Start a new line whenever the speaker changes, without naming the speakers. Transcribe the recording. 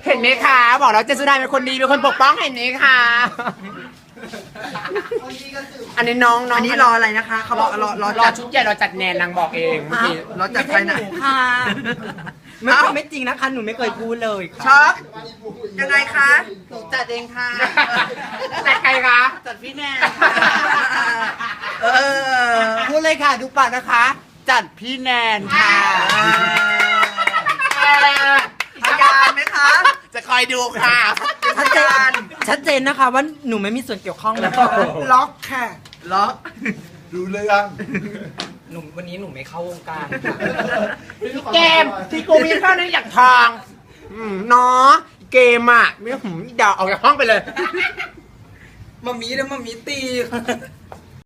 เห็นไหมคะบอกแล้วเจสุดาเป็นคนดีเป็นคนปกป้องเห็นไหมคะอันนี้น้อง
อันนี้รออะไรนะคะเขาบอกรอจัด
ชุดใหญ่รอจัดแนนนางบอกเองเมื่อกี้
รอจัดใครนะ
ค่ะไม่จริงนะคะหนูไม่เคยพูดเลยค่ะ
ช็อปยังไงคะ
จัดเองค่ะ
จัดใครคะ
จัดพี่แนน
เออ
พูดเลยค่ะดูปากนะคะ จัดพี่แนนค่ะ
อาการไหมคะ
จะคอยดูค่ะ
ชัดเจนนะคะว่าหนูไม่มีส่วนเกี่ยวข้องนะ
ล็อกค่ะ ล็อก
รู้เรื่อง
หนูวันนี้หนูไม่เข้าวงการค่ะ
เกมที่กูมีเข้าในอย่างทองเนาะเกมอ่ะไม่เดาออกจากห้องไปเลย
มามีแล้วมามีตี